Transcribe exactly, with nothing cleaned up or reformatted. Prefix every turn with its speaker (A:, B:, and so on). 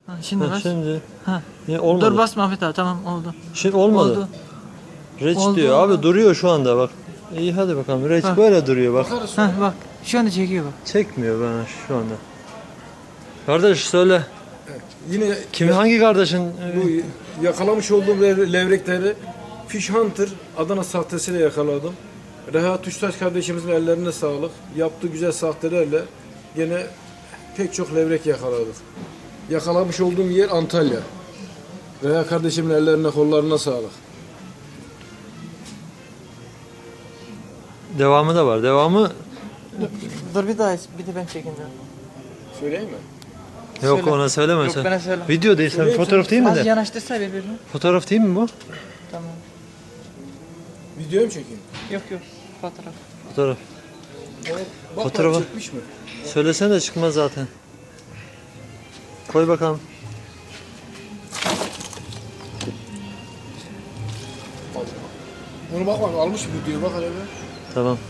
A: Ha, şimdi
B: Ha,
A: bas.
B: şimdi.
A: Ha.
B: Niye olmadı?
A: Dur basma Ahmet abi, tamam oldu.
B: Şimdi olmadı.
A: Oldu.
B: Reç
A: Oldu,
B: diyor.
A: oldu.
B: Abi duruyor şu anda bak. İyi hadi bakalım. Reç
A: Bak.
B: böyle duruyor bak.
C: Bakarız sonra.
A: Ha bak şu anda çekiyor bak.
B: Çekmiyor bana şu anda. Kardeş söyle.
C: Yine
B: Kimi hangi kardeşin?
C: bu yakalamış olduğum lev- levrekleri Fish Hunter Adana sahtesiyle yakaladım. Reha Tuştaş kardeşimizin ellerine sağlık. Yaptığı güzel sahtelerle yine pek çok levrek yakaladık. Yakalamış olduğum yer Antalya. Reha kardeşimin ellerine kollarına sağlık.
B: Devamı da var. Devamı
A: Dur bir daha bir de ben çekeyim.
C: Söyleyeyim mi?
B: yok
A: Söyle.
B: ona söyleme
A: Yok,
B: sen.
A: bana söyle.
B: Video değil sen
C: Söyleyeyim,
B: fotoğraf değil mi
A: Az
B: de?
A: yanaştırsa birbirine.
B: Fotoğraf değil mi bu?
A: Tamam.
C: Video mu çekeyim?
A: Yok yok fotoğraf.
B: Fotoğraf.
C: Bak,
B: Fotoğrafı-
C: bak, çekmiş mi?
B: Söylesene de çıkmaz zaten. Koy bakalım.
C: Bunu bak bak almış video bak hele.
B: Tamam.